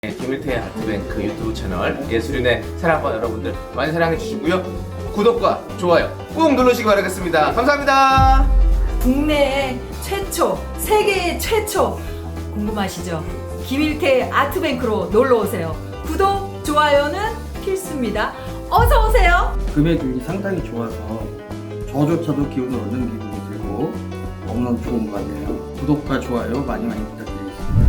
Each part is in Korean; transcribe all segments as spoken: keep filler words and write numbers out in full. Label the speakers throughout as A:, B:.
A: 김일태의 아트뱅크 유튜브 채널 예술인의 사랑과 여러분들 많이 사랑해 주시고요. 구독과 좋아요 꾹 누르시기 바라겠습니다. 감사합니다.
B: 국내 최초, 세계 최초 궁금하시죠? 김일태 아트뱅크로 놀러 오세요. 구독, 좋아요는 필수입니다. 어서 오세요.
C: 금액이 상당히 좋아서 저조차도 기운을 얻는 기분이 들고 너무너무 좋은 것 같네요. 구독과 좋아요 많이 많이 부탁드리겠습니다.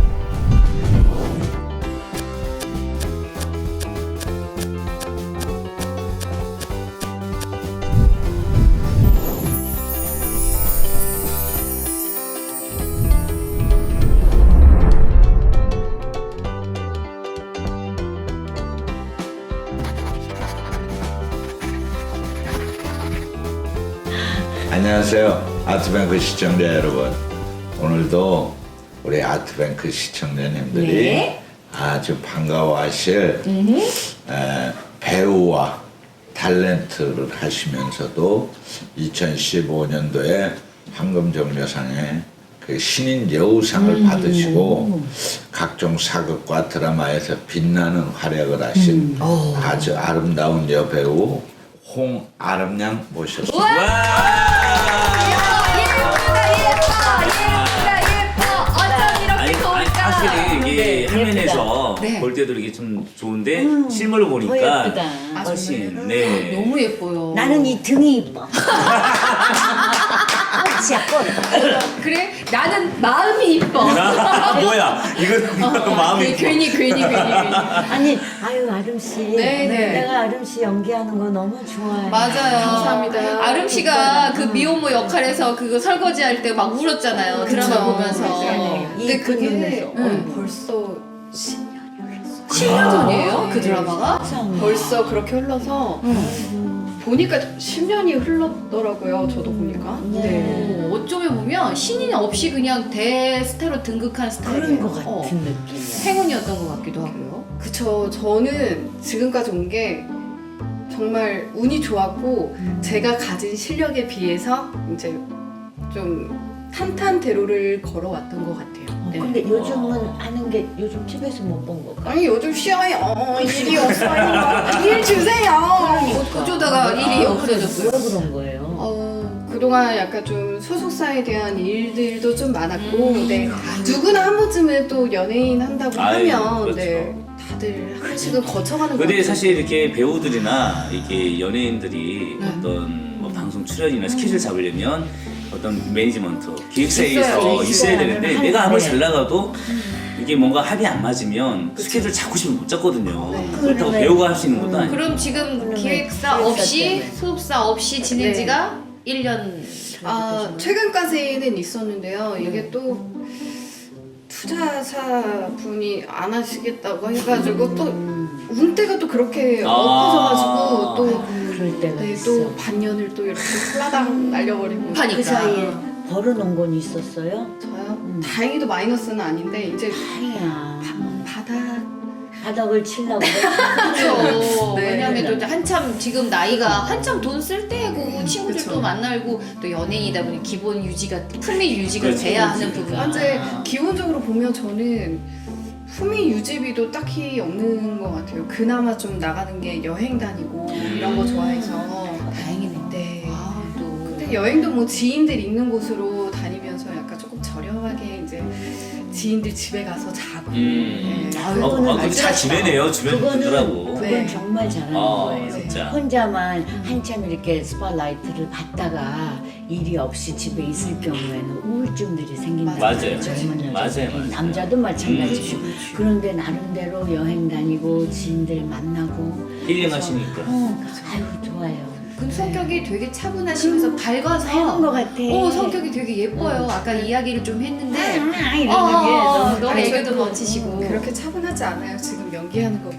D: 안녕하세요. 아트뱅크 시청자 여러분. 오늘도 우리 아트뱅크 시청자님들이
B: 네.
D: 아주 반가워하실 에, 배우와 탤런트를 하시면서도 이천십오 년도에 황금정려상의 그 신인 여우상을
B: 음.
D: 받으시고 각종 사극과 드라마에서 빛나는 활약을 하신
B: 음.
D: 아주 아름다운 여배우 홍아름양 모셨습니다.
E: 아니, 아니 사실 이게 화면에서
F: 네.
E: 볼 때도 이게 좀 좋은데 실물로 보니까
G: 예쁘다.
E: 훨씬 네.
F: 너무 예뻐요.
G: 나는 이 등이 이뻐. 꽃이야 꽃.
F: 그래? 나는 마음이 이뻐.
E: 아, 뭐야 이거 마음이
F: 네, 괜히 괜히 괜히 괜히.
G: 아니 아유 아름 씨.
F: 네, 네.
G: 내가 아름 씨 연기하는 거 너무 좋아해.
F: 맞아요.
G: 감사합니다.
F: 아름 씨가 그 미혼모 역할에서 그거 설거지 할 때 막 울었잖아요. 드라마 보면서.
G: 맞아요.
F: 근데
G: 이쁜
F: 그게
G: 눈에서.
F: 응.
H: 벌써 십 년이 흘렀어.
F: 십 년 전이에요? 그 드라마가?
H: 벌써 그렇게 흘러서 보니까 십 년이 흘렀더라고요. 저도 보니까.
G: 네.
F: 오, 어쩌면 보면 신인 없이 그냥 대스타로 등극한 스타일이에요.
G: 그런 거 같은
F: 어.
G: 느낌이야.
F: 행운이었던 것 같기도 하고요.
H: 그쵸. 저는 지금까지 온 게 정말 운이 좋았고 제가 가진 실력에 비해서 이제 좀 탄탄대로를 걸어왔던 것 같아요. 네.
G: 근데 요즘은 하는 게 요즘 집에서 못 본 거.
H: 아니 요즘 쉬어요. 어, 일이 없어요. 일 주세요.
F: 어쩌다가 일이 없어졌어요.
G: 왜 그런 거예요?
H: 어, 그동안 약간 좀 소속사에 대한 일들도 좀 많았고,
F: 음.
H: 네. 누구나 한 번쯤은 또 연예인 한다고
E: 아유,
H: 하면,
E: 그렇죠.
H: 네. 다들 한 번씩은 거쳐가는 것
E: 근데
H: 같아요.
E: 사실 이렇게 배우들이나 이렇게 연예인들이
F: 네.
E: 어떤 뭐 방송 출연이나 스케줄 잡으려면 어떤 매니지먼트 기획사에서
F: 있어요.
E: 있어야 되는데
G: 있어요.
E: 내가 아무리
G: 네.
E: 잘 나가도 이게 뭔가 합이 안 맞으면 스케줄 잡고 싶으면 못 잡거든요.
H: 네.
E: 그렇다고
G: 그러네.
E: 배우가 할 수 있는 것도 아니고.
F: 그럼 지금
G: 그러면
F: 기획사
G: 기획사
F: 없이
G: 때문에.
F: 소속사 없이 지낸
H: 네.
F: 지가 일 년
H: 아, 최근까지는 있었는데요. 이게 또 투자사 분이 안 하시겠다고 해가지고 또 운때가 또 그렇게
E: 아.
H: 엎어져가지고 또,
G: 그럴 때가
H: 네,
G: 있어.
H: 또 반년을 또 이렇게 훌라당 날려버리고.
F: 하니까.
G: 그 사이에 벌어놓은 건 있었어요?
H: 저요? 다행히도 마이너스는 아닌데, 이제
G: 아니야.
H: 바닥.
G: 바닥을 치려고 그래.
F: 그렇죠.
H: 네.
F: 왜냐면 또 이제 한참 지금 나이가 한참 돈 쓸 때고 친구들도
H: 그쵸.
F: 만나고 또 연예인이다 보니 기본 유지가 품위 유지가
E: 그렇지,
F: 돼야
E: 그렇지.
F: 하는 부분.
H: 현재 기본적으로 보면 저는 품위 유지비도 딱히 없는 것 같아요. 그나마 좀 나가는 게 여행 다니고 이런 거 좋아해서.
F: 다행이네.
H: 네.
F: 아, 또.
H: 근데 여행도 뭐 지인들 있는 곳으로 다니면서 약간 조금 저렴하게 이제 지인들 집에 가서 자고.
E: 음.
H: 네.
E: 어, 어, 그거 잘 지내네요 주변
G: 그거는
E: 분들하고.
G: 그건
H: 네.
G: 정말 잘하는
E: 아
G: 거예요.
E: 진짜.
G: 혼자만 한참 이렇게 스팟라이트를 받다가 일이 없이 집에 있을 경우에는 우울증들이 생긴다.
E: 맞아요.
G: 젊은
E: 맞아요,
G: 여자들,
E: 맞아요.
G: 남자도 마찬가지고.
E: 음.
G: 그런데 나름대로 여행 다니고 지인들 만나고.
E: 힐링하시니까.
G: 어, 아유 좋아요.
F: 근데 성격이 되게 차분하시면서 밝아서
G: 하는 것 같아.
F: 어, 성격이 되게 예뻐요. 아까 이야기를 좀 했는데
G: 아,
F: 어,
G: 이러는 게
F: 어,
G: 너무
F: 너무
H: 아니,
F: 애교도
H: 저도
F: 넘치시고
H: 그렇게 차분하지 않아요. 지금 연기하는 거.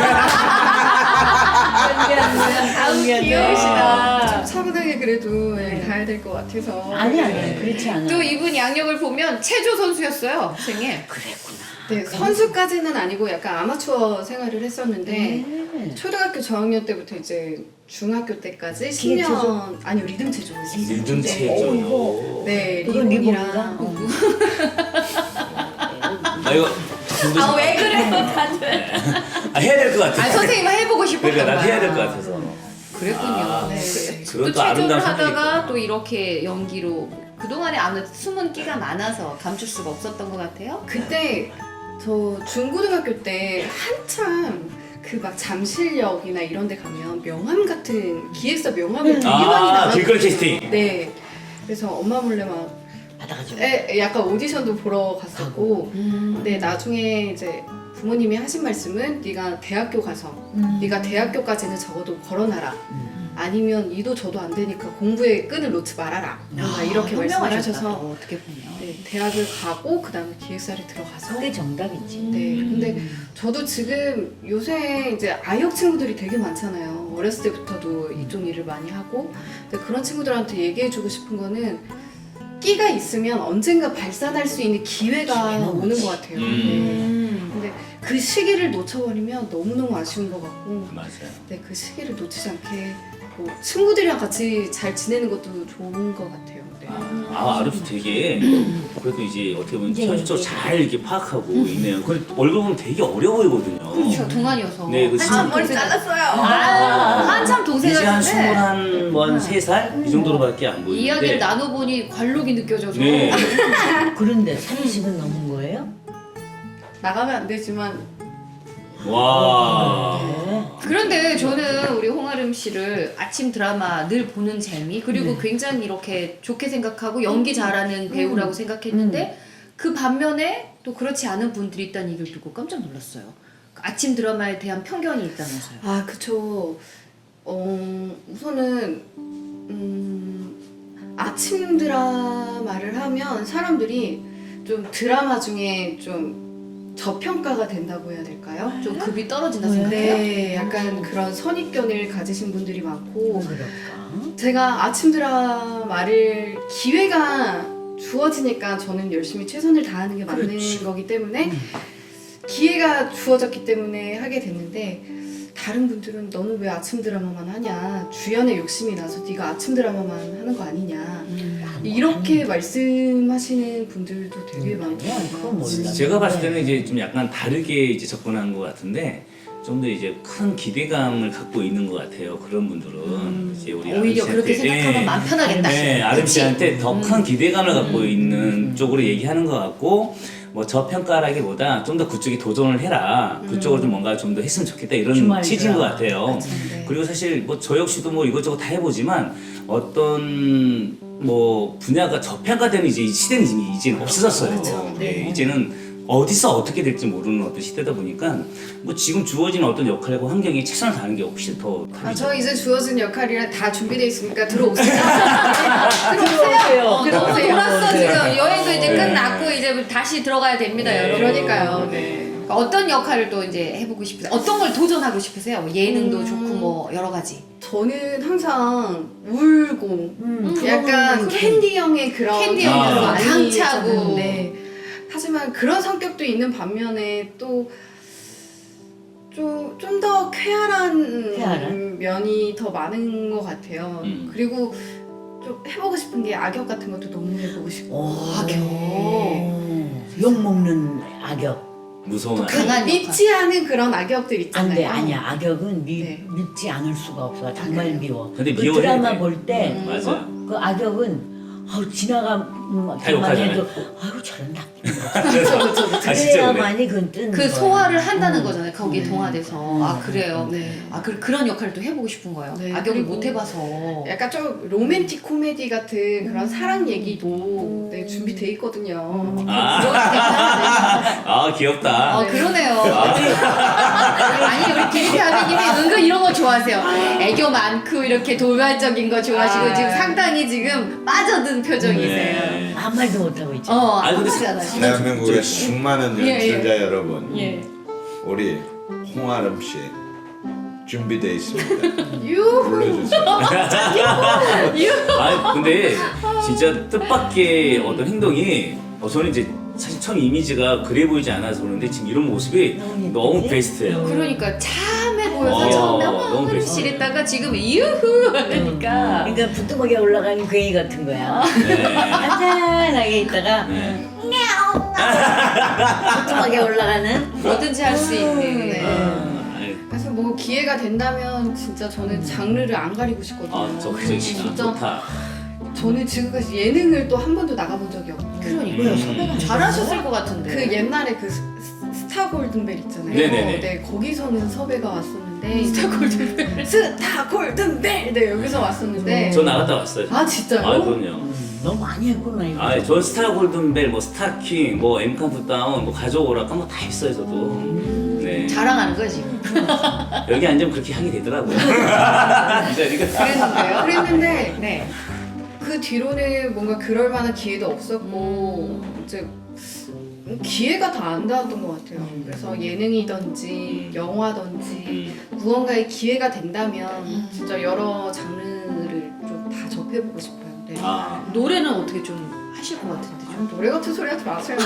F: 아우 귀여우시다.
H: 좀 차분하게 그래도 네, 가야 될 것 같아서.
G: 아니 아니 그렇지 않아.
F: 또 이분 양력을 보면 체조 선수였어요 생애.
G: 그랬구나.
H: 네, 선수까지는 아니고 약간 아마추어 생활을 했었는데
G: 네.
H: 초등학교 저학년 때부터 이제 중학교 때까지 십
G: 기계
H: 년
G: 체조?
H: 아니요 리듬 체조
E: 리듬
H: 네.
E: 체조.
H: 네
G: 그건
H: 리본이랑
G: 리본인가? 어.
E: 아 이거 중도
F: 아 왜 그래요 다들?
E: 아, 해야 될 것 같아.
F: 아 선생님 해보고 싶었던
E: 그러니까 난
F: 거야.
E: 해야 될 것 같아서.
F: 그랬군요.
E: 아,
F: 네.
E: 그건
F: 또
E: 또 아름다운
F: 최종을 하다가
E: 선택이구나.
F: 또 이렇게 연기로 그동안에 아무래도 숨은 끼가 많아서 감출 수가 없었던 것 같아요.
H: 그때 저 중고등학교 때 한참 그 막 잠실역이나 이런 데 가면 명함 같은 기획사 명함을 되게 많이
E: 아,
H: 나왔거든요.
E: 길거리 캐스팅.
H: 네. 그래서 엄마 몰래 막
G: 받아가지고.
H: 에, 약간 오디션도 보러 갔었고
F: 음.
H: 근데 나중에 이제 부모님이 하신 말씀은 네가 대학교 가서
B: 음.
H: 네가 대학교까지는 적어도 걸어놔라. 아니면 이도 저도 안 되니까 공부에 끈을 놓지 말아라. 뭔가 이렇게 말씀을 하셔서
F: 어떻게 보면.
H: 네, 대학을 가고 그 다음에 기획사를 들어가서
G: 그게 정답이지.
H: 네, 근데 저도 지금 요새 이제 아역 친구들이 되게 많잖아요. 어렸을 때부터도 이쪽 일을 많이 하고 근데 그런 친구들한테 얘기해주고 싶은 거는 끼가 있으면 언젠가 발산할 수 있는 기회가
G: 기회는
H: 오는
G: 오지.
H: 것 같아요.
E: 음.
H: 네. 근데 그 시기를 놓쳐버리면 너무너무 아쉬운 것 같고
E: 맞아요.
H: 네, 그 시기를 놓치지 않게 뭐 친구들이랑 같이 잘 지내는 것도 좋은 것 같아요. 네.
E: 아, 아름씨 되게 그래도 이제 어떻게 보면
G: 이제
E: 현실적으로
G: 이제.
E: 잘 이렇게 파악하고 있네요. 근데 얼굴 보면 되게 어려 보이거든요.
F: 그렇죠 동안이어서.
E: 네, 그
F: 한참
E: 머리
F: 동생.
B: 잘랐어요.
F: 아, 한참 동생
E: 이제 한
F: 같은데
E: 스물한 뭐한세 살 이 정도로밖에 안 보이는데.
F: 이야기를 나눠보니 관록이 느껴져서.
E: 네.
G: 그런데 삼십은 넘은 거예요?
H: 나가면 안 되지만
E: 와.
G: 네.
F: 그런데 저는 우리 홍아름 씨를 아침 드라마 늘 보는 재미 그리고 굉장히 이렇게 좋게 생각하고 연기 잘하는 배우라고 생각했는데 그 반면에 또 그렇지 않은 분들이 있다는 얘기를 듣고 깜짝 놀랐어요. 그 아침 드라마에 대한 편견이 있다면서요.
H: 아 그쵸. 어 우선은 음, 아침 드라마를 하면 사람들이 좀 드라마 중에 좀 저평가가 된다고 해야 될까요?
F: 좀 급이 떨어진다
G: 네.
F: 생각해요?
H: 네, 약간 그런 선입견을 가지신 분들이 많고
G: 그럴까?
H: 제가 아침 드라마를 기회가 주어지니까 저는 열심히 최선을 다하는 게 맞는
G: 그렇지.
H: 거기 때문에 기회가 주어졌기 때문에 하게 됐는데 다른 분들은 너는 왜 아침 드라마만 하냐 주연에 욕심이 나서 네가 아침 드라마만 하는 거 아니냐 이렇게 말씀하시는 분들도 되게
G: 음,
H: 많고
G: 아니야, 그건 몰라.
E: 제가 봤을 때는 이제 좀 약간 다르게 이제 접근한 것 같은데 좀 더 이제 큰 기대감을 갖고 있는 것 같아요. 그런 분들은 이제 우리
F: 오히려
E: 아름
F: 그렇게
E: 씨한테,
F: 생각하면
E: 예.
F: 마음 편하겠다.
E: 네, 아름
F: 그치?
E: 씨한테 더 큰 기대감을 갖고
F: 음.
E: 있는 쪽으로 얘기하는 것 같고 뭐 저평가라기보다 좀 더 그쪽에 도전을 해라. 그쪽으로 좀 뭔가 좀 더 했으면 좋겠다 이런
G: 주말
E: 취지인 것
G: 드라마.
E: 같아요.
H: 네.
E: 그리고 사실 뭐 저 역시도 뭐 이것저것 다 해보지만 어떤 뭐 분야가 저평가되는 이제 이 시대는 이제 이제는 없어졌어요.
H: 그렇죠.
E: 네,
H: 네.
E: 이제는 어디서 어떻게 될지 모르는 어떤 시대다 보니까 뭐 지금 주어진 어떤 역할과 환경에 최선을 다하는 게 훨씬 더
H: 아,
E: 답이죠.
H: 저 이제 주어진 역할이라 다 준비되어 있으니까 들어오세요.
G: 들어오세요.
F: 어, 너무
H: 들어오세요.
F: 돌았어
G: 네.
F: 지금 여행도 이제
E: 네.
F: 끝났고 이제 다시 들어가야 됩니다
E: 네.
F: 여러분.
H: 그러니까요. 네.
F: 그러니까 어떤 역할을 또 이제 해보고 싶으세요? 어떤 걸 도전하고 싶으세요? 뭐 예능도
H: 음.
F: 좋고 뭐 여러 가지.
H: 저는 항상 울고
G: 음,
H: 약간
G: 그거는
H: 캔디형의 그런
F: 캔디형
E: 아.
H: 성격도 많이
F: 강차고.
H: 있었는데 하지만 그런 성격도 있는 반면에 또 좀 좀 더 쾌활한,
G: 쾌활한?
H: 면이 더 많은 것 같아요.
E: 음.
H: 그리고 좀 해보고 싶은 게 악역 같은 것도 너무 해보고 싶고
G: 오,
F: 악역.
G: 욕 먹는 악역.
E: 무서운
F: 또 강한
H: 믿지 않은 그런 악역들 있잖아요.
G: 안돼 아니야 악역은 미,
H: 네.
G: 믿지 않을 수가 없어 정말
H: 그래요?
G: 미워.
E: 근데
G: 그
E: 미워해,
G: 드라마
E: 네.
G: 볼 때
H: 음.
E: 맞아요.
G: 어? 그 악역은 아우 지나가 음,
E: 다 욕하잖아요.
G: 해도 아우 저런 나.
H: 그렇죠, 그렇죠, 그렇죠.
E: 아, 진짜 그래.
G: 그래야만이 그건 뜨는
F: 그
G: 거야.
F: 소화를 한다는
G: 음.
F: 거잖아요. 거기에
G: 음.
F: 동화돼서.
G: 음.
F: 아 그래요.
H: 네.
F: 아 그, 그런 역할을 또 해보고 싶은 거예요.
H: 네,
F: 악역을
H: 그리고
F: 못 해봐서.
H: 약간 좀 로맨틱 코미디 같은 그런 사랑 얘기도 네, 준비돼 있거든요.
E: 아, 아 귀엽다.
F: 어 그러네요. 아니 우리 김태 아버님이 은근 이런 거 좋아하세요. 애교 많고 이렇게 돌발적인 거 좋아하시고
H: 아.
F: 지금 상당히 지금 빠져든 표정이세요.
E: 네.
G: 아무 말도 못하고 있죠.
F: 어
E: 아니, 근데
F: 아시잖아요.
D: 대한민국의 수많은
F: 예, 예.
D: 연출자 여러분,
F: 예.
D: 우리 홍아름 씨 준비되어 있습니다.
H: 유
D: 불러주세요.
E: 아 근데 진짜 뜻밖의 어떤 행동이 어, 저는 이제 사실 처음 이미지가 그래 보이지 않아서 그런데 지금 이런 모습이
G: 너무
E: 너무
G: 예쁘지?
E: 베스트예요.
F: 그러니까 참해 보여서
E: 어,
F: 처음에
E: 너무
F: 어머
E: 베스트.
F: 흐름실했다가 지금 유후 하니까
G: 그러니까 부뚜막에 올라가는 괴이 같은 거야.
E: 네.
G: 안전하게 있다가
E: 네.
G: 냐옹 부뚜막에 올라가는.
F: 뭐든지 할 수 있는.
H: 네.
E: 아, 아이,
H: 그래서 뭐 기회가 된다면 진짜 저는 장르를 안 가리고 싶거든요.
E: 아, 저 그저
H: 진짜
E: 좋다.
H: 저는 지금까지 예능을 또 한 번도 나가본 적이 없고
F: 그러니까
E: 음.
F: 잘하셨을 것 같은데.
H: 그 옛날에 그 스- 스- 스타 골든벨 있잖아요.
E: 네네네.
H: 네, 거기서는 섭외가 왔었는데
F: 스타 골든벨.
H: 스타 골든벨 네 여기서 왔었는데
E: 저 나갔다 왔어요.
H: 아 진짜요?
E: 아, 그럼요.
G: 너무 많이 했구나 이거.
E: 아, 전 스타 골든벨, 뭐 스타킹, 뭐 엠카운트다운, 뭐 가져오라까 뭐 다 했어요 저도. 네.
F: 자랑하는 거야 지금.
E: 여기 앉으면 그렇게 하게 되더라고요. 진짜 이거.
H: 그랬는데요. 그랬는데
F: 네.
H: 그 뒤로는 뭔가 그럴 만한 기회도 없었고 이제 기회가 다 안 닿았던 것 같아요. 그래서 예능이든지 영화든지 무언가의 기회가 된다면 진짜 여러 장르를 좀 다 접해보고 싶어요. 네.
E: 아,
F: 노래는 어떻게 좀 하실 것 같은데 좀.
H: 노래 같은 소리 하지 마세요.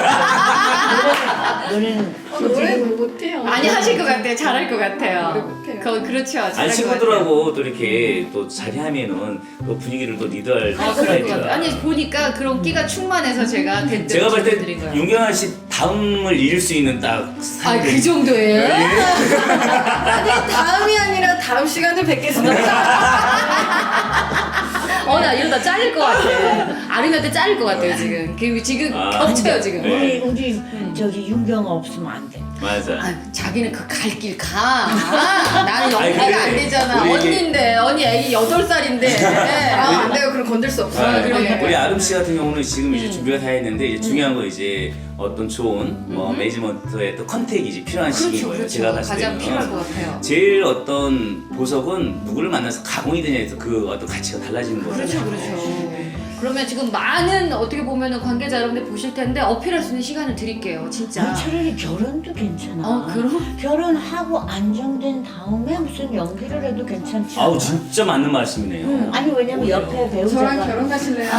G: 노래는
H: 어, 노래는 못해요.
F: 많이 하실 것 같아요. 잘할 것
H: 노래
F: 같아요.
H: 못해요.
F: 그 그렇죠. 잘할
E: 아니
F: 것
E: 친구들하고 또 이렇게 또 자리하면은 또 분위기를 또 리드할
F: 같아요. 아, 그럴 것 같아요.
E: 스타일이라.
F: 아니 보니까 그런 끼가 충만해서 제가 대뜸
E: 제가 볼 때
F: 질문드린 거예요.
E: 윤경아 씨 다음을 잃을 수 있는 딱
F: 아,
E: 스타일.
F: 그 정도예요?
H: 아니 다음이 아니라 다음 시간에 뵙겠습니다.
F: 어, 나 이러다 잘릴 것 같아. 아름이한테 잘릴 것 같아요, 지금. 그, 지금
E: 아,
F: 겹쳐요, 지금.
E: 네.
G: 우리 우리 저기 윤경아 없으면 안 돼.
E: 맞아.
F: 아, 자기는 그 갈 길 가. 아, 나는
E: 아니,
F: 연기가
E: 근데
F: 안 되잖아.
E: 우리 이게-
F: 언니인데, 언니 애기 여덟 살인데.
H: 아, 안 돼요. 그럼 건들 수 없어요.
E: 아,
H: 네.
E: 우리 아름 씨 같은 경우는 지금 이제
F: 음.
E: 준비가 다 했는데 이제 중요한 거 이제 어떤 좋은 뭐 매니지먼트의 또 컨택이 필요한 시기인
F: 그렇죠,
E: 거예요.
F: 그렇죠.
E: 제가 봤을
F: 가장
E: 때는
F: 필요할 것 같아요.
E: 제일 어떤 보석은 누구를 만나서 가공이 되냐에서 그 어떤 가치가 달라지는 거예요.
F: 그렇죠, 그렇죠. 그러면 지금 많은 어떻게 보면은 관계자 여러분들 보실 텐데 어필할 수 있는 시간을 드릴게요, 진짜.
G: 아니, 차라리 결혼도 괜찮아.
F: 어, 그럼?
G: 결혼하고 안정된 다음에 무슨 연기를 해도 괜찮지 않아?
E: 아우 진짜 맞는 말씀이네요.
G: 아니 왜냐면 옆에 배우자가
H: 저랑 결혼하실래요?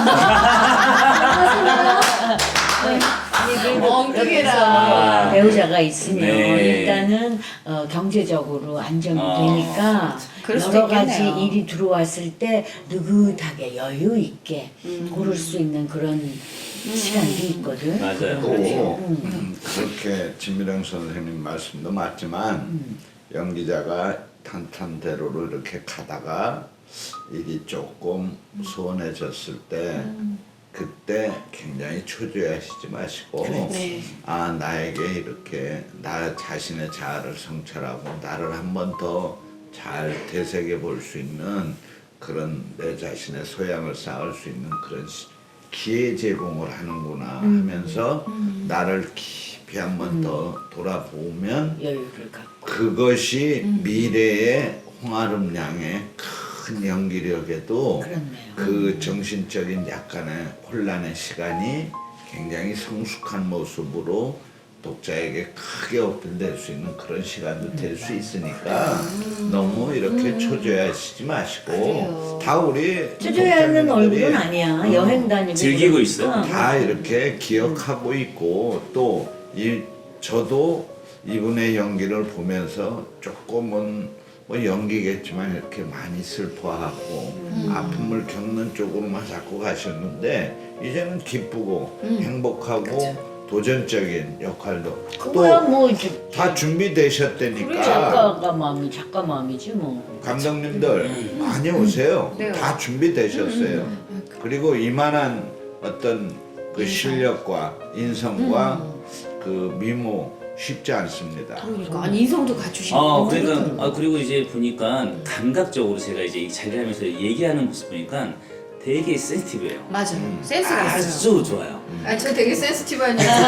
F: 엉뚱해라.
E: 아.
G: 배우자가 있으면
E: 네.
G: 일단은 어, 경제적으로 안정이
E: 아.
G: 되니까
F: 그럴 수도
G: 여러 가지
F: 있겠네요.
G: 일이 들어왔을 때 느긋하게 여유 있게 고를 수 있는 그런 시간도 있거든.
E: 맞아요.
D: 또
G: 음.
D: 음, 그렇게 진미령 선생님 말씀도 맞지만 연기자가 탄탄대로로 이렇게 가다가 일이 조금 소원해졌을 때 그때 굉장히 초조해하시지 마시고
H: 네.
D: 아 나에게 이렇게 나 자신의 자아를 성찰하고 나를 한 번 더 잘 되새겨 볼 수 있는 그런 내 자신의 소양을 쌓을 수 있는 그런 시- 기회 제공을 하는구나 하면서 나를 깊이 한 번 더 돌아보면
G: 여유를 갖고.
D: 그것이 미래의 홍아름 양의 큰 연기력에도
G: 그렇네요.
D: 그 정신적인 약간의 혼란의 시간이 굉장히 성숙한 모습으로 독자에게 크게 어필될 수 있는 그런 시간도 될 수 있으니까 너무 이렇게 초조해하시지 마시고
F: 그래요.
D: 다 우리
G: 초조해하는
D: 독자님들이
G: 얼굴은 아니야. 여행 다니고
E: 즐기고
G: 그러니까.
E: 있어요.
D: 다 이렇게 기억하고 있고 또 이 저도 이분의 연기를 보면서 조금은 뭐 연기겠지만 이렇게 많이 슬퍼하고 아픔을 겪는 쪽으로만 자꾸 가셨는데 이제는 기쁘고 행복하고 도전적인 역할도
G: 그거야
D: 또
G: 뭐 이제
D: 다 준비되셨다니까
G: 작가가 마음이 작가 마음이지 뭐.
D: 감독님들 많이 오세요.
F: 네.
D: 다 준비되셨어요. 그리고 이만한 어떤 그 실력과 인성과 그 미모 쉽지 않습니다.
F: 그러니까 아니 인성도 갖추시는
E: 아
F: 거.
E: 그러니까 아 그리고 이제 보니까 감각적으로 제가 이제 이 자리를 하면서 얘기하는 모습 보니까 되게 센시티브해요.
F: 맞아요. 센스가 있어요.
E: 아주 좋아요.
H: 아, 저 되게 센스티브한 여자.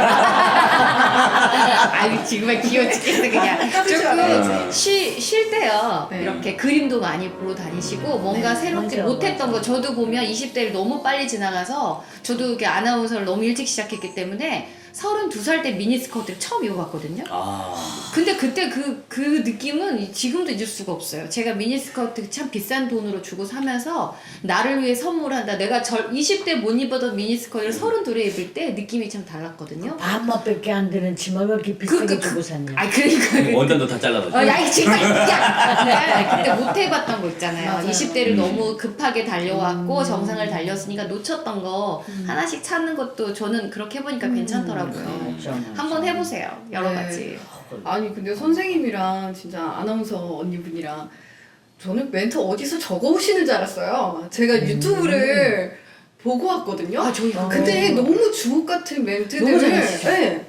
F: 아유 정말 귀여워 죽겠어 그냥. 조금 쉬, 쉴 때요.
H: 네.
F: 이렇게 그림도 많이 보러 다니시고 뭔가 새롭게
G: 맞아,
F: 못했던 거 저도 보면 이십 대를 너무 빨리 지나가서 저도 이렇게 아나운서를 너무 일찍 시작했기 때문에 서른두 살 때 미니스커트를 처음 입어봤거든요.
E: 아
F: 근데 그때 그, 그 느낌은 지금도 잊을 수가 없어요. 제가 미니스커트 참 비싼 돈으로 주고 사면서 나를 위해 선물한다. 내가 절 이십 대 못 입었던 미니스커트를 서른둘에 입을 때 느낌이 참 달랐거든요.
G: 반맛밖에 안 되는 치마 왜 이렇게 비싸게
F: 그, 그,
G: 주고 샀냐?
F: 아 그러니까.
E: 원단도 다 잘라가지고.
F: 어, 야, 이 정말, 야! 그때 못 해봤던 거 있잖아요.
B: 맞아요.
F: 이십 대를
E: 음.
F: 너무 급하게 달려왔고,
B: 음.
F: 정상을 달렸으니까 놓쳤던 거 하나씩 찾는 것도 저는 그렇게 해보니까 괜찮더라고요.
G: 그렇죠.
F: 한번 해보세요. 여러
H: 네.
F: 가지.
H: 아니 근데 선생님이랑 진짜 아나운서 언니분이랑 저는 멘트 어디서 적어오시는 줄 알았어요. 제가 유튜브를 보고 왔거든요.
F: 아, 저희
H: 근데 너무 주옥 같은
F: 너무
H: 멘트들을
F: 잘하시죠?
H: 네.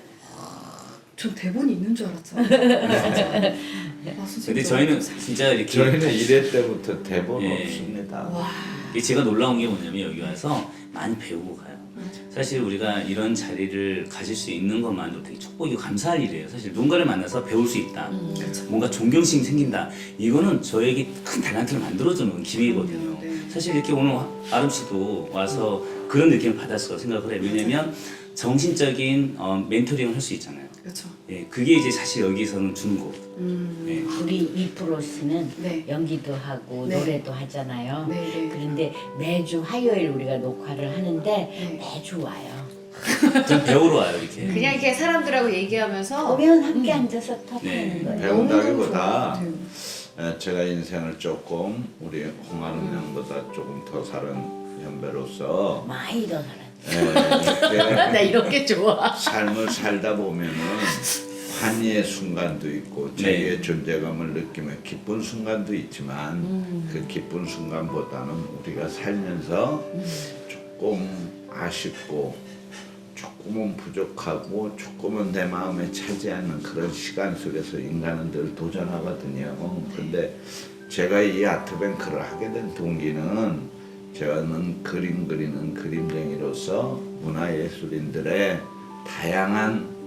H: 전 대본이 있는 줄 알았잖아요. 아, 선생님
E: 근데
H: 너무
E: 저희는
H: 감사해요.
E: 진짜 이렇게
D: 저희는 일 회 때부터 대본
E: 예.
D: 없습니다.
E: 이게 제가 놀라운 게 뭐냐면 여기 와서 많이 배우고 가요. 사실 우리가 이런 자리를 가질 수 있는 것만으로 되게 축복이고 감사할 일이에요. 사실 누군가를 만나서 배울 수 있다. 뭔가 존경심이 생긴다. 이거는 저에게 큰 달란트를 만들어주는 기회거든요.
H: 네.
E: 사실 이렇게 오늘 아름 씨도 와서 그런 느낌을 받았어 생각을 해요. 왜냐면 정신적인 어, 멘토링을 할 수 있잖아요.
H: 그렇죠.
E: 예, 그게 이제 사실 여기서는 주는 거고.
H: 음.
E: 예.
G: 우리 이프로스는
H: 네.
G: 연기도 하고
H: 네.
G: 노래도 하잖아요.
H: 네, 네.
G: 그런데 매주 화요일 우리가 녹화를 하는데
H: 네.
G: 매주 와요.
E: 전 배우러 와요 이렇게.
F: 그냥 이렇게 사람들하고 얘기하면서
G: 오면 함께 앉아서 톡하는
E: 네.
G: 거예요.
D: 배운다기보다
H: 너무너무
D: 에, 제가 인생을 조금 우리 홍아름 양보다 조금 더 살은 연배로서
G: 많이 더 살았어.
D: 에,
G: 나
D: 이렇게
G: 이렇게 좋아.
D: 삶을 살다 보면은 환희의 순간도 있고 자기의
E: 네.
D: 존재감을 느끼며 기쁜 순간도 있지만
F: 음.
D: 그 기쁜 순간보다는 우리가 살면서 조금 아쉽고 조금은 부족하고 조금은 내 마음에 차지 않는 그런 시간 속에서 인간은 늘 도전하거든요. 근데 제가 이 아트뱅크를 하게 된 동기는 저는 그림 그리는 그림쟁이로서 문화예술인들의 다양한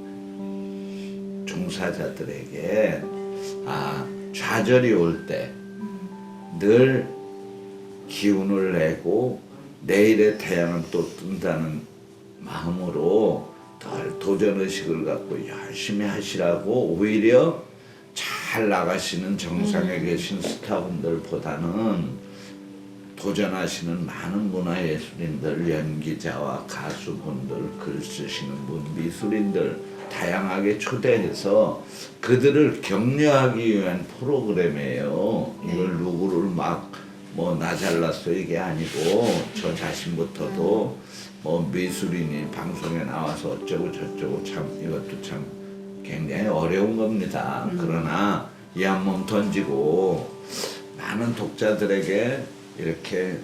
D: 종사자들에게 아, 좌절이 올 때 늘 기운을 내고 내일의 태양은 또 뜬다는 마음으로 덜 도전의식을 갖고 열심히 하시라고 오히려 잘 나가시는 정상에 계신 스타분들보다는 도전하시는 많은 문화예술인들, 연기자와 가수분들, 글 쓰시는 분, 미술인들 다양하게 초대해서 그들을 격려하기 위한 프로그램이에요. 이걸 누구를 막 뭐 나 잘났어 이게 아니고 저 자신부터도 뭐 미술인이 방송에 나와서 어쩌고 저쩌고 참 이것도 참 굉장히 어려운 겁니다. 그러나 이 한 몸 던지고 많은 독자들에게 이렇게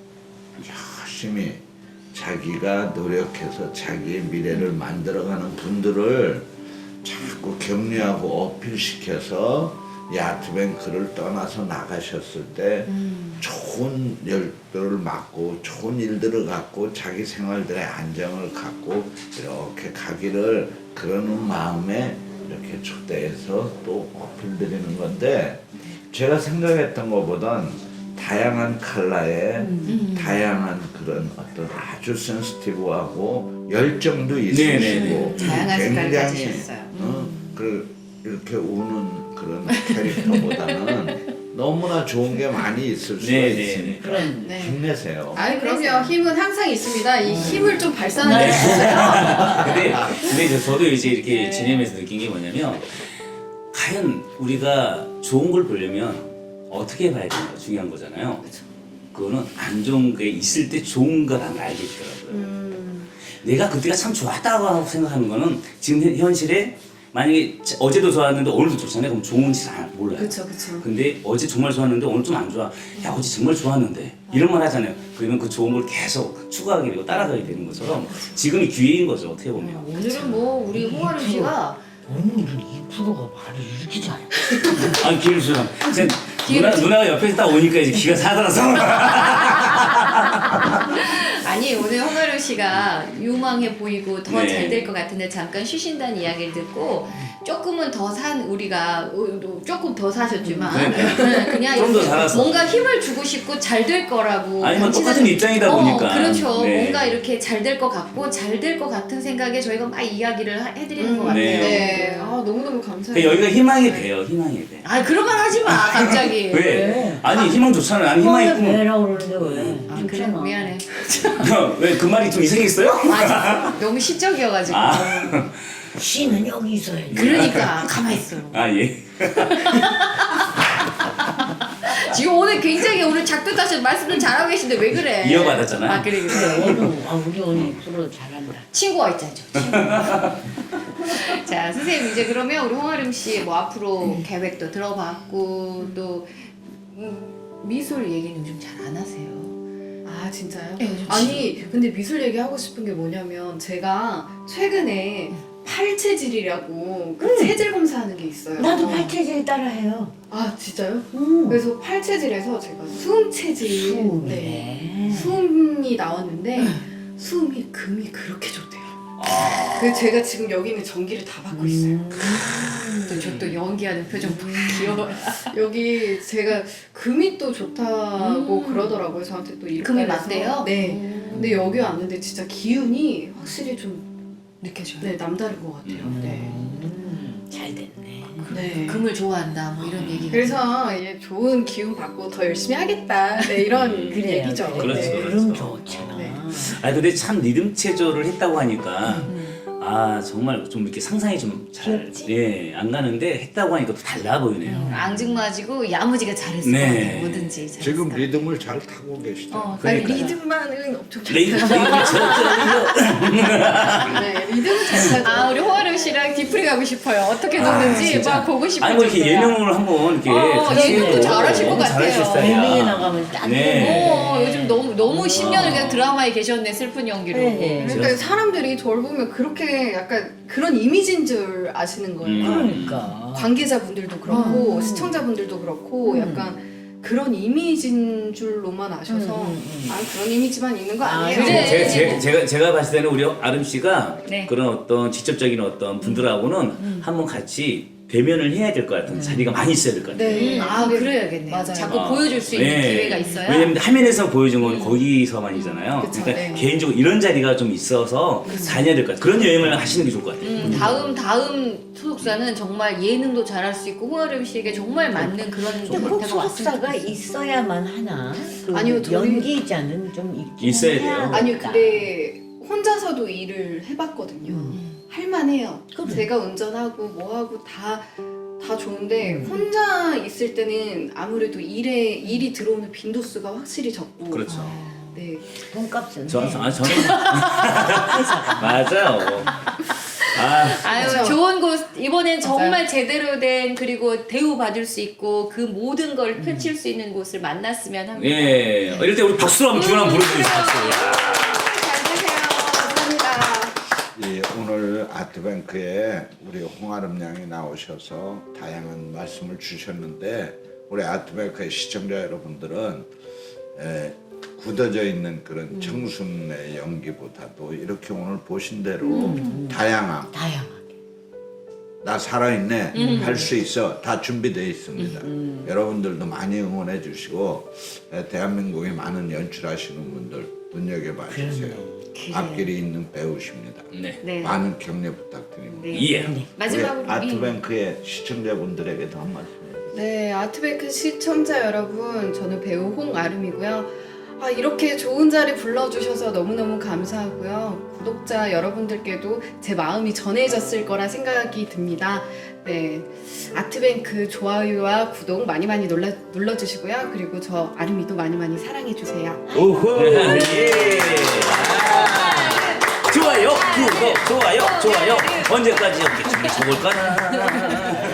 D: 열심히 자기가 노력해서 자기의 미래를 만들어가는 분들을 자꾸 격려하고 어필시켜서 이 아트뱅크를 떠나서 나가셨을 때 좋은 열들을 맡고 좋은 일들을 갖고 자기 생활들의 안정을 갖고 이렇게 가기를 그러는 마음에 이렇게 초대해서 또 어필드리는 건데 제가 생각했던 것보단 다양한 컬러의
F: 음.
D: 다양한 그런 어떤 아주 센시티브하고 열정도 있으시고
E: 네네네.
F: 다양한 색깔을
D: 굉장히
F: 가지셨어요.
D: 어, 그 이렇게 우는 그런 캐릭터보다는 너무나 좋은 게 많이 있을 수가
E: 네네.
D: 있으니까
G: 그럼
H: 네.
D: 힘내세요.
H: 아니 그럼요. 힘은 항상 있습니다. 이 힘을 좀 발산하는 게 있어요.
E: 근데 근데 이제 저도 이제 이렇게
H: 네.
E: 지내면서 느낀 게 뭐냐면 과연 우리가 좋은 걸 보려면 어떻게 봐야 되는가 중요한 거잖아요. 그거는 안 좋은 게 있을 때 좋은 거라는 걸 알겠더라고요.
H: 음.
E: 내가 그때가 참 좋았다고 생각하는 거는 지금 현- 현실에 만약에 어제도 좋았는데 오늘도 좋잖아요. 그럼 좋은지 잘 몰라요.
H: 그렇죠, 그렇죠.
E: 근데 어제 정말 좋았는데 오늘 좀 안 좋아. 야 어제 정말 좋았는데 이런 말 하잖아요. 그러면 그 좋은 걸 계속 추구하게 되고 따라가게 되는 것처럼 지금이 기회인 거죠. 어떻게 보면.
F: 오늘은 뭐 우리 홍아름 씨가
G: 오늘은 이 프로가 말을 이렇게 잘해.
E: 아니 기회를 주면 누나 누나가 옆에서 딱 오니까 이제 기가 사들어서.
F: 아니 오늘 홍아름 씨가 유망해 보이고 더
E: 네.
F: 잘 될 것 같은데 잠깐 쉬신다는 이야기를 듣고 조금은 더 산 우리가 어, 조금 더 사셨지만
E: 그러니까요.
F: 네, 그냥
E: 좀더 살아서.
F: 뭔가 힘을 주고 싶고 잘 될 거라고
E: 아니 뭐
F: 같이
E: 똑같은
F: 생-
E: 입장이다
F: 어,
E: 보니까.
F: 그렇죠.
E: 네.
F: 뭔가 이렇게 잘 될 것 같고 잘 될 것 같은 생각에 저희가 막 이야기를 하- 해드리는 것 같아요.
E: 네.
H: 네. 아, 너무너무 감사해요.
E: 그러니까 여기가 희망의 배요, 희망의 배.
F: 아 그런 말 하지 마 갑자기.
E: 왜? 아니 희망 좋잖아. 나는 희망이
G: 희망의
E: 있고.
G: 배라고 그러는데 왜?
F: 아 그래 미안해.
E: 왜 그 말이 좀 이상했어요?
F: 아 너무 시적이어가지고.
E: 아,
G: 씨는 여기 있어야지.
F: 그러니까 가만 있어.
E: 아 예.
F: 지금 오늘 굉장히 오늘 작두 따셔 말씀을 잘하고 계신데 왜 그래?
E: 이어받았잖아요.
F: 아 그래 그래.
G: 그래, 오늘 아, 우리 언니 프로 잘한다.
F: 친구가 있잖아요. 친구. 자 선생님 이제 그러면 우리 홍아름 씨 뭐 앞으로 계획도 들어봤고 또 음, 미술 얘기는 요즘 잘 안 하세요.
H: 아 진짜요?
F: 네, 요즘
H: 아니 근데 미술 얘기하고 싶은 게 뭐냐면 제가 최근에 팔체질이라고 그 체질 검사하는 게 있어요.
G: 나도 팔체질 따라해요.
H: 아 진짜요?
G: 음.
H: 그래서 팔체질에서 제가 수음 체질 네.
G: 수음이네.
H: 수음이 나왔는데 수음이 금이 그렇게 좋대요. 그래서 제가 지금 여기 있는 전기를 다 받고 있어요.
F: 저 또 연기하는 표정 보고 귀여워요.
H: 여기 제가 금이 또 좋다고 그러더라고요. 저한테 또 이렇게
F: 금이
H: 해서.
F: 맞대요?
H: 네.
F: 음.
H: 근데 여기 왔는데 진짜 기운이 확실히 좀
F: 느껴져요.
H: 네, 남다른 것 같아요. 네.
G: 음, 잘 됐네.
H: 네.
F: 금을 좋아한다 뭐 이런 얘기가.
H: 그래서 예, 좋은 기운 받고 더 열심히 하겠다. 네, 이런
G: 그래요.
H: 얘기죠.
E: 그렇죠.
H: 네.
G: 그럼 좋잖아.
H: 네.
E: 아 근데 참 리듬 체조를 했다고 하니까
F: 음.
E: 아 정말 좀 이렇게 상상이 좀 잘 예, 안 가는데 했다고 하니까 또 달라 보이네요.
F: 앙증맞이고 야무지게 잘했을
E: 네.
F: 것 같아요. 뭐든지 잘했을
D: 지금
F: 것 같아요.
D: 리듬을 잘 타고 계시죠.
F: 어,
H: 아니,
E: 그러니까요.
H: 리듬만은 엄청 잘
E: 레이드
H: 타요.
E: 레이드 저
H: 네, 리듬은 잘 타죠.
F: 아 우리 홍아름 씨랑 뒤풀이 가고 싶어요. 어떻게 노는지
E: 진짜.
F: 막 보고 싶어요.
E: 아니 뭐 이렇게 예능을 한번 이렇게
F: 어,
E: 같이
F: 예능도
E: 해도
F: 잘하실 것
E: 너무
F: 같아요.
E: 잘하실 스타일이야.
G: 예능에 나가면 딱
E: 네.
F: 어, 요즘 너무 너무 십 년을 그냥 드라마에 계셨네 슬픈 연기로.
G: 네.
H: 그러니까 사람들이 저를 보면 그렇게 약간 그런 이미지인 줄 아시는 거예요.
E: 음.
G: 그러니까.
H: 관계자분들도 그렇고
G: 음.
H: 시청자분들도 그렇고
G: 음.
H: 약간 그런 이미지인 줄로만 아셔서
G: 음, 음, 음.
H: 아 그런 이미지만 있는 거
G: 아,
H: 아니에요.
F: 그래.
E: 제, 제, 제가 제가 봤을 때는 우리 아름 씨가
F: 네.
E: 그런 어떤 직접적인 어떤 분들하고는 한번 같이 대면을 해야 될 것 같은 자리가 많이 있어야 될 것 같아요.
H: 네.
F: 음, 아
H: 근데-
F: 그래야겠네요.
H: 맞아요.
F: 자꾸
E: 아,
F: 보여줄 수 있는
E: 네.
F: 기회가 있어야.
E: 왜냐면 화면에서 보여준 건 거기서만이잖아요.
H: 그쵸,
E: 그러니까
H: 네.
E: 개인적으로 이런 자리가 좀 있어서 다녀야 될 것 같아요. 그런 여행을 하시는 게 좋을 것 같아요.
F: 음, 다음 다음 소속사는 정말 예능도 잘할 수 있고 홍아름 씨에게 정말 맞는 그런
G: 근데 꼭
F: 상태가 왔으면
G: 소속사가
F: 좋겠어요.
G: 있어야만 하나? 그
H: 아니요, 저희-
G: 연기자는 좀 있긴
E: 있어야
G: 해야
E: 돼요.
H: 아니요
G: 겠다.
H: 근데 혼자서도 일을 해봤거든요. 할만해요.
G: 그래.
H: 제가 운전하고 뭐하고 다 다 좋은데 혼자 있을 때는 아무래도 일에 일이 들어오는 빈도수가 확실히 적고
E: 그렇죠.
H: 네.
G: 돈값은
E: 저,
G: 해.
E: 아, 저는 맞아요. 아,
F: 아유
H: 그쵸?
F: 좋은 곳 이번엔
H: 맞아요.
F: 정말 제대로 된 그리고 대우 받을 수 있고 그 모든 걸 펼칠 수 있는 곳을 만났으면 합니다.
E: 예. 이럴 때 우리 박수로 한번 기원 한번 부르주세요. 박수.
H: 잘 되세요. 감사합니다.
D: 이 오늘 아트뱅크에 우리 홍아름 양이 나오셔서 다양한 말씀을 주셨는데 우리 아트뱅크의 시청자 여러분들은 에, 굳어져 있는 그런 청순의 연기보다도 이렇게 오늘 보신 대로 다양함,
G: 다양하게.
D: 나 살아있네, 할 수 있어, 다 준비되어 있습니다. 여러분들도 많이 응원해 주시고 에, 대한민국에 많은 연출하시는 분들 눈여겨봐 주세요. 앞길이 있는 배우십니다.
E: 네.
F: 네.
D: 많은 격려 부탁드립니다.
F: 네.
E: 예.
F: 마지막으로
D: 우리 아트뱅크의 시청자분들에게도 한 말씀 해주세요.
H: 네, 아트뱅크 시청자 여러분, 저는 배우 홍아름이고요. 아, 이렇게 좋은 자리 불러주셔서 너무너무 감사하고요. 구독자 여러분들께도 제 마음이 전해졌을 거라 생각이 듭니다. 네, 아트뱅크 좋아요와 구독 많이 많이 눌러, 눌러주시고요. 그리고 저 아름이도 많이 많이 사랑해주세요.
E: 오호. 예. 좋아요, 구독, 좋아요, 좋아요. 언제까지 이렇게 저걸 까나?